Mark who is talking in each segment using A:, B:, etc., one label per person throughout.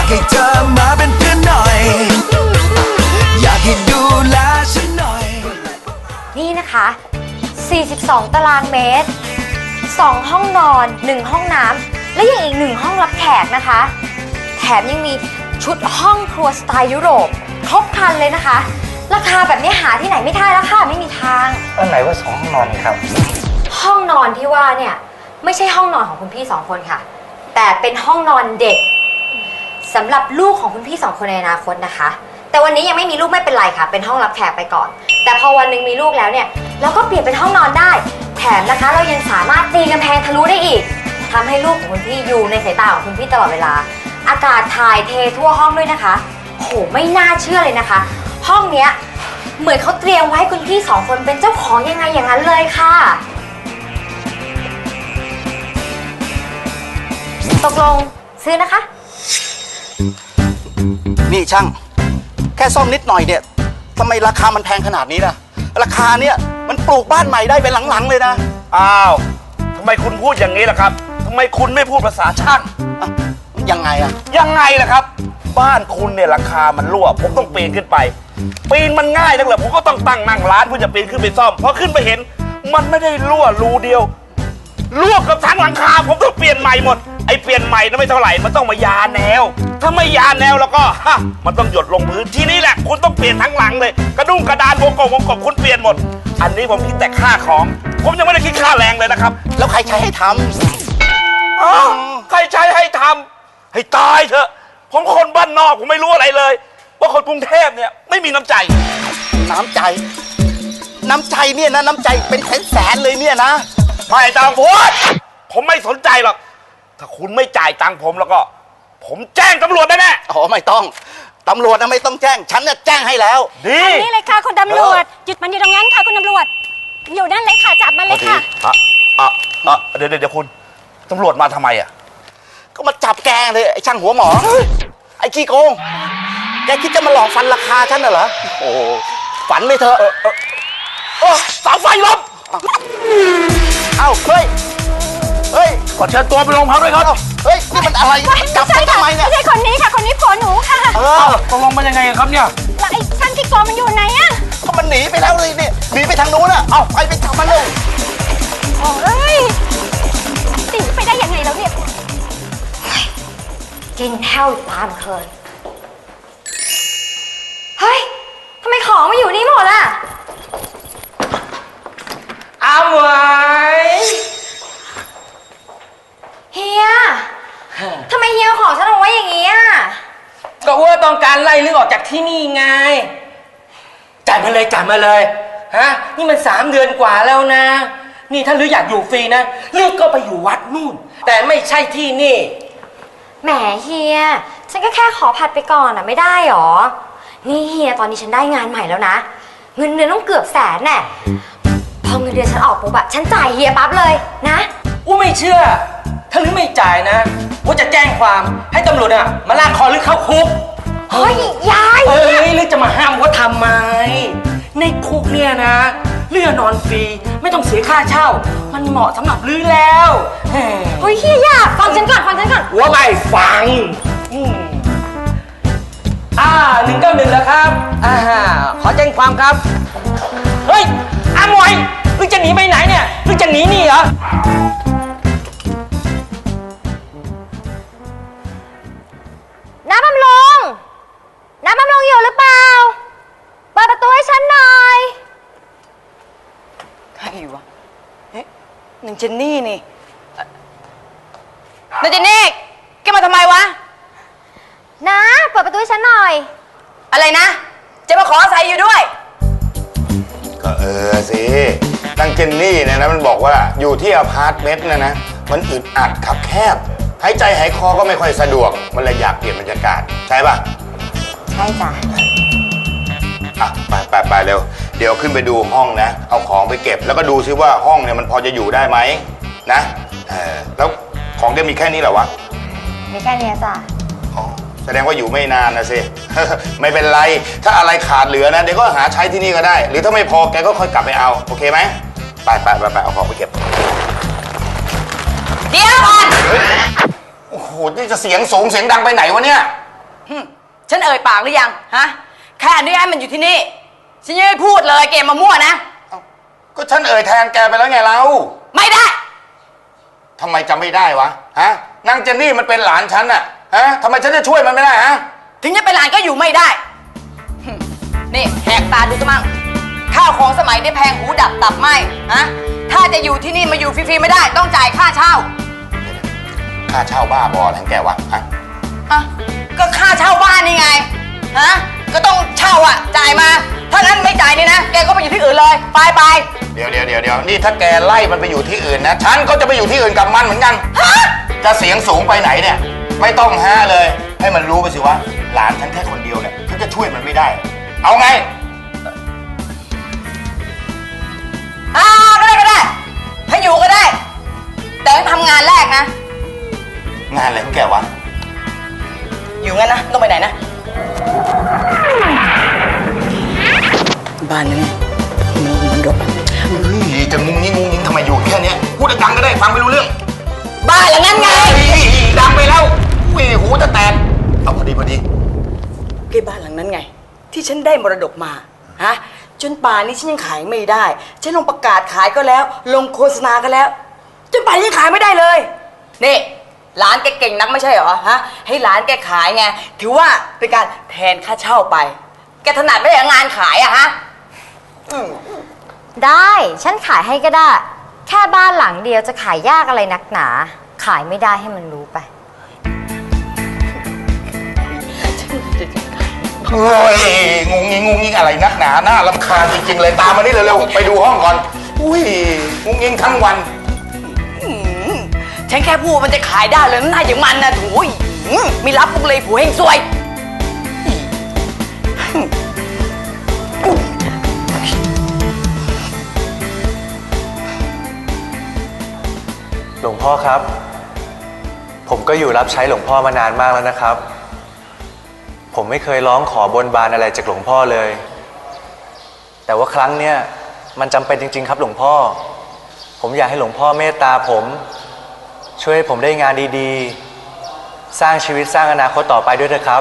A: ให้เธอมาเป็นเพื่อนหน่อยอยากให้ดูแลฉันหน่อย
B: นี่นะคะ42 ตารางเมตร2 ห้องนอน 1 ห้องน้ำและยังอีก1 ห้องรับแขกนะคะแถมยังมีชุดห้องครัวสไตล์ยุโรปครบครันเลยนะคะราคาแบบนี้หาที่ไหนไม่ได้แล้วค่ะไม่มีทาง
C: อันไหนว่า2 ห้องนอนครับ
B: ห้องนอนที่ว่าเนี่ยไม่ใช่ห้องนอนของคุณพี่2 คนค่ะแต่เป็นห้องนอนเด็กสำหรับลูกของคุณพี่2 คนในอนาคตนะคะแต่วันนี้ยังไม่มีลูกไม่เป็นไรค่ะเป็นห้องรับแขกไปก่อนแต่พอวันหนึ่งมีลูกแล้วเนี่ยเราก็เปลี่ยนเป็นห้องนอนได้แถมนะคะเรายังสามารถตีกำแพงทะลุได้อีกทำให้ลูกของคุณพี่อยู่ในสายตาของคุณพี่ตลอดเวลาอากาศถ่ายเททั่วห้องด้วยนะคะโหไม่น่าเชื่อเลยนะคะห้องเนี้ยเหมือนเขาเตรียมไว้ให้คุณพี่2 คนเป็นเจ้าของยังไงอย่างนั้นเลยค่ะตกลงซื้อนะคะ
C: นี่ช่างแค่ซ่อมนิดหน่อยเนี่ยทำไมราคามันแพงขนาดนี้ล่ะราคาเนี่ยมันปลูกบ้านใหม่ได้เป็นหลังๆเลยนะ
D: อ้าวทำไมคุณพูดอย่างนี้ล่ะครับทำไมคุณไม่พูดภาษาช่าง
C: ยังไงอะ
D: ยังไงล่ะครับบ้านคุณเนี่ยราคามันรั่วผมต้องปีนขึ้นไปปีนมันง่ายนักเหรอผมก็ต้องตั้งนั่งร้านเพื่อจะปีนขึ้นไปซ่อมพอขึ้นไปเห็นมันไม่ได้รั่วรูเดียวรั่วกับทั้งหลังคาผมต้องเปลี่ยนใหม่หมดไอ้เปลี่ยนใหม่นั้นไม่เท่าไหร่มันต้องมายาแนวถ้าไม่ยาแนวแล้วก็มันต้องหยดลงพื้นที่นี่แหละคุณต้องเปลี่ยนทั้งหลังเลยกระดุ้งกระดานวงกบคุณเปลี่ยนหมดอันนี้ผมคิดแต่ค่าของผมยังไม่ได้คิดค่าแรงเลยนะครับ
C: แล้วใครใช้ให้ท
D: ำใครใช้ให้ทำให้ตายเถอะผมคนบ้านนอกผมไม่รู้อะไรเลยว่าคนกรุงเทพเนี่ยไม่มีน้ำใจ
C: น้ำใจเนี่ยนะน้ำใจเป็นแสนเลยเนี่ยนะ
D: ไม่ต้องพูดผมไม่สนใจหรอกถ้าคุณไม่จ่ายตังค์ผมแล้วก็ผมแจ้งตำรวจแน่
C: ๆอ๋อไม่ต้องตำรวจนะไม่ต้องแจ้งฉันจะแจ้งให้แล้ว
D: ดี
B: นี่เลยค่ะคุณตำรวจหยุดมันอยู่ตรงนั้นค่ะคุณตำรวจอยู่นั่นเลยค่ะจับมันเลยค่ะ
D: เดี๋ยวคุณตำรวจมาทำไมอ่ะ
C: ก็มาจับแกเลยไอ้ช่างหัวหมอไอ้ขี้โกงแกคิดจะมาหลอกฟันราคาฉันเหรอโอ้ฝันไม่เถอะ
D: เสาไฟล้ม
C: เอ้าเฮ้ย
D: ขอเชิญตัวไปโรงพักด้วยครับ
C: เฮ้ยนี่มันอะไรจับฉันทำไมเนี่ย
B: ไม่ใช่คนนี้ค่ะคนนี้ผัวหนูค่ะ
D: ตกลงมันยังไงครับเนี่ย
B: แล้วไอ้ช่างขี้โกงมันอยู่ไหนอะ
C: ก็มันหนีไปแล้วเลยเนี่ยหนีไปทางนู้นอะเอาไปจับมันเลย
B: โอ้ยหนีไปได้ยังไงแล้วเนี่ยกินแห้วตามเคยเฮ้ยทำไมของมาอยู่นี่หมดล่ะ
E: อ้าวไว้
B: เฮียทำไมเฮียของฉันเอาไว้อย่างนี้อ่ะ
E: ก็ว่าต้องการไล่ลึกออกจากที่นี่ไงจ่ายมาเลยฮะนี่มัน3 เดือนกว่าแล้วนะนี่ถ้าลืออยากอยู่ฟรีนะลือก็ไปอยู่วัดนู่นแต่ไม่ใช่ที่นี่
B: แหมเฮียฉันก็แค่ขอผัดไปก่อนอ่ะไม่ได้หรอนี่เฮียตอนนี้ฉันได้งานใหม่แล้วนะเงินเดือนต้องเกือบ100,000แน่พอเงินเดือนฉันออกปุ๊บอะฉันจ่ายเฮียปั๊บเลยนะ
E: ไม่เชื่อถ้าลือไม่จ่ายนะว่าจะแจ้งความให้ตำรวจอะมาลากคอลือเข้าคุก
B: เฮ้ยยาย
E: ลือจะมาห้ามว่าทำไมในคุกเนี่ยนะเลือนอนฟรีไม่ต้องเสียค่าเช่ามันเหมาะสำหรับลือแล้ว
B: เฮ้ยเฮียอยากฟังฉันก่อน
E: ว่าไม่ฟัง191แล้วครับขอแจ้งความครับเฮ้ยอาหมวยมึงจะหนีไปไหนเนี่ยมึงจะหนีนี่เหรอ
B: น้ำบำรุงอยู่หรือเปล่าเปิดประตูให้ฉันหน่อย
E: ใครวะนางเจนนี่นี่นางเจนนี่แกมาทำไมวะ
B: นะเปิดประตูให้ฉันหน่อย
E: อะไรนะจะมาขออาศัยอยู่ด้วย
F: ก็สินางเจนนี่เนี่ยนะมันบอกว่าอยู่ที่อพาร์ตเมนต์นะมันอึดอัดขับแคบหายใจหายคอก็ไม่ค่อยสะดวกมันเลยอยากเปลี่ยนบรรยากาศใช่ป่ะ
B: ใช่จ้ะ
F: ไปเร็วเดี๋ยวขึ้นไปดูห้องนะเอาของไปเก็บแล้วก็ดูซิว่าห้องเนี่ยมันพอจะอยู่ได้ไหมนะแล้วของแกมีแค่นี้เหรอวะ
B: มีแค่นี้จ้ะ
F: แสดงว่าอยู่ไม่นานนะสิ ไม่เป็นไรถ้าอะไรขาดเหลือนะเดี๋ยวก็หาใช้ที่นี่ก็ได้หรือถ้าไม่พอแกก็ค่อยกลับไปเอาโอเคไหมไปเอาของไปเก็บ
E: เดี๋ยวก่อน
F: โอ้โหนี่จะเสียงสูงเสียงดังไปไหนวะเนี่ย
G: ฉันเอ่ยปากหรือยังฮะแค่อนุญาตให้มันอยู่ที่นี่ฉันยังไม่พูดเลยเกมมามั่วนะ
F: ก็ฉันเอ่ยแทนแกไปแล้วไงเรา
G: ไม่ได้
F: ทำไมจำไม่ได้วะฮะนางเจนนี่มันเป็นหลานฉันน่ะฮะทำไมฉันจะช่วยมันไม่ได้ฮะ
G: ถึงจะเป็นหลานก็อยู่ไม่ได้นี่แหกตาดูซะมั่งข้าวของสมัยได้แพงหูดับตับไหมฮะถ้าจะอยู่ที่นี่มาอยู่ฟรีๆไม่ได้ต้องจ่ายค่าเช่า
F: ค่าเช่าบ้าบออะไรของแกวะฮะ
G: อ่ะก็ค่าเช่าบ้านนี่ไงฮะก็ต้องเช่าอ่ะจ่ายมาถ้างั้นไม่จ่ายนี่นะแกก็ไปอยู่ที่อื่นเลยไป
F: เดี๋ยวนี่ถ้าแกไล่มันไปอยู่ที่อื่นนะฉันก็จะไปอยู่ที่อื่นกับมันเหมือนกันจะเสียงสูงไปไหนเนี่ยไม่ต้องฮะเลย ให้มันรู้ไปสิว่าหลานฉันแค่คนเดียวเนี่ยฉันจะช่วยมันไม่ได้ เอาไง
G: ก็ได้ถ้าอยู่ก็ได้ แต่ต้องทำงานแรกนะ
F: งานอะไรของแกวะ
G: อยู่งั้นนะต้องไปไหนนะบ้านนั้นมันรก
F: เฮ้ยจะงุ้งงิ้งทำไมอยู่แค่เนี้ยพูดดังๆก็ได้ฟังไม่รู้เรื่อง
G: บ้านหลังนั้นไง
F: เฮ้ยดังไปแล้วอุ้ยหูจะแตกเอาพอดี
G: ก็บ้านหลังนั้นไง ที่ฉันได้มรดกมาฮะจนป่านนี้ฉันยังขายไม่ได้ฉันลงประกาศขายก็แล้ว ลงโฆษณาก็แล้ว จนป่านนี้ยังขายไม่ได้เลยนี่หลานแกเก่งนักไม่ใช่เหรอฮะให้หลานแกขายไงถือว่าเป็นการแทนค่าเช่าไป แกถนัดไม่ใช่งานขายอะฮะ
B: ได้ฉันขายให้ก็ได้ แค่บ้านหลังเดียวจะขายยากอะไรนักหนา ขายไม่ได้ให้มันรู้ไป
F: เฮ้ยงุ้งงิ้งอะไรนักหนาหน้ารำคาญจริงๆเลยตามมานี่เร็วๆไปดูห้องก่อนอุ้ยงุ้งงิ้งทั้งวัน
G: ฉันแค่พูดมันจะขายได้เลยน่าอย่างมันนะถุยมีรับปุกเลยผัวเฮงซวย
H: หลวงพ่อครับ ผมก็อยู่รับใช้หลวงพ่อมานานมากแล้วนะครับ ผมไม่เคยร้องขอบนบานอะไรจากหลวงพ่อเลย แต่ว่าครั้งเนี้ยมันจำเป็นจริงๆครับหลวงพ่อ ผมอยากให้หลวงพ่อเมตตาผมช่วยให้ผมได้งานดีๆ สร้างชีวิตสร้างอนาคตต่อไปด้วยนะครับ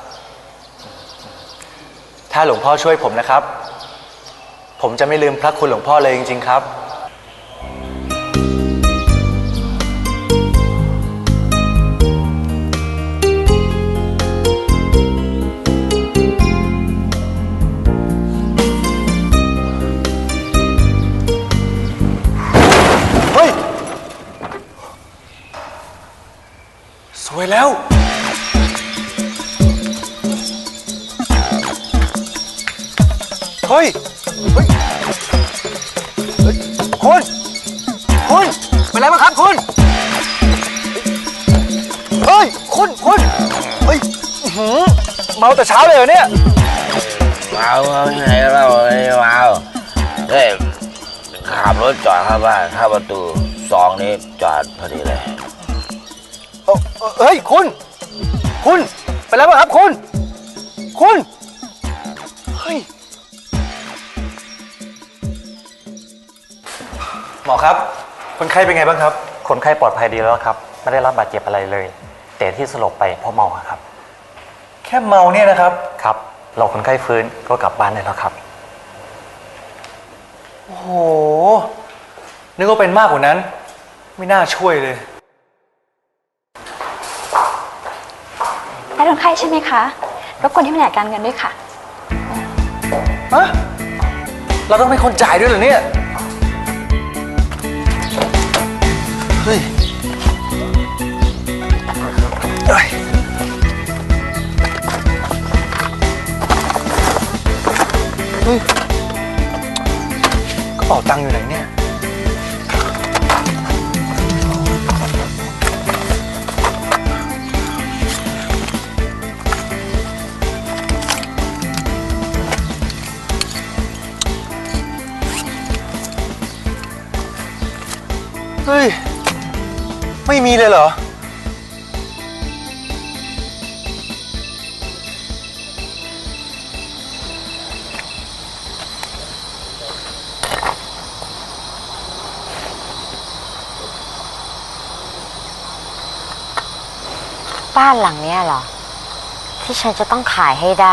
H: ถ้าหลวงพ่อช่วยผมนะครับ ผมจะไม่ลืมพระคุณหลวงพ่อเลยจริงๆครับ เฮ้ย สวยแล้ว เฮ้ย เฮ้ย เฮ้ย คุณ เป็นไรบ้างครับคุณ เฮ้ย คุณ เฮ้ยเมาแต่เช้าเลยเหรอเนี่ย
I: เมาที่ไหนเราไม่เมาเฮ้ยขับรถจอดเข้าบ้านเข้าประตู2นี้จอดพอดีเลย
H: เฮ้ย คุณ เป็นไรบ้างครับคุณ เฮ้ย หมอครับ คนไข้เป็นไงบ้างครับ
J: คนไข้ปลอดภัยดีแล้วครับไม่ได้รับบาดเจ็บอะไรเลย แต่ที่สลบไปเพราะเมาครับ
H: แค่เมาเนี่ยนะครับ
J: ครับเราคนไข้ฟื้นก็กลับบ้านได้แล้วครับ
H: โอ้โห นึกว่าเป็นมากกว่านั้น ไม่น่าช่วยเลย
K: และคนไข้ใช่ไหมคะรบกวนที่แผนกการเงินด้วยค่ะ
H: ฮะ เราต้องเป็นคนจ่ายด้วยเหรอเนี่ย เฮ้ย เฮ้ยกระเป๋าตังค์อยู่ไหนเนี่ย เฮ้ย ไม่มีเลยเหรอ
B: บ้านหลังเนี้ยเหรอ ทที่ฉันจะต้องขายให้ได้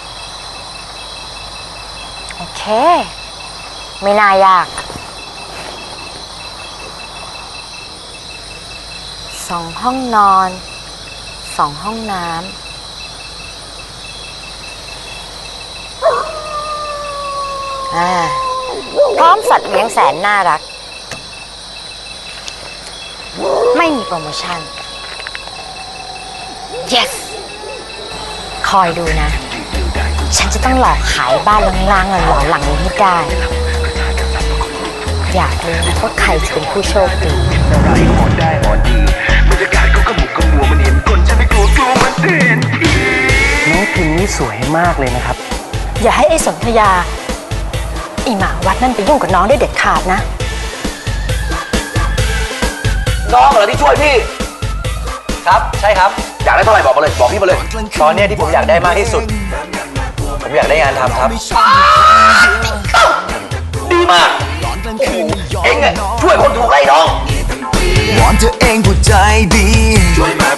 B: โอเค ไม่น่ายาก 2 ห้องนอน 2 ห้องน้ำพร้อมสัตว์เลี้ยงแสนน่ารัก ไม่มีโปรโมชั่น yes คอยดูนะ ฉันจะต้องหลอกขายบ้านล้างๆหลอนๆหลังนี้ให้ได้ อยากรู้ว่าใครจะเป็นผู้โชคดี
J: น้องพิมนี่สวยมากเลยนะครับ
K: อย่าให้ไอ้สนธยาไอ้หมาวัดนั่นไปยุ่งกับน้องได้เด็ดขาดนะ
C: น้องเหรอที่ช่วยพี่
H: ครับ ใช่ครับ
C: อยากได้เท่าไหร่บอกมาเลย บอกพี่มาเลย
H: ตอนเนี้ยที่ผมอยากได้มากที่สุด ผมอยากได้งานทำครับ
C: ดีมาก เอ็งอะช่วยคนถูกไล่น้อง
A: วอนเธอเองผู้ใจดี ช่วยมา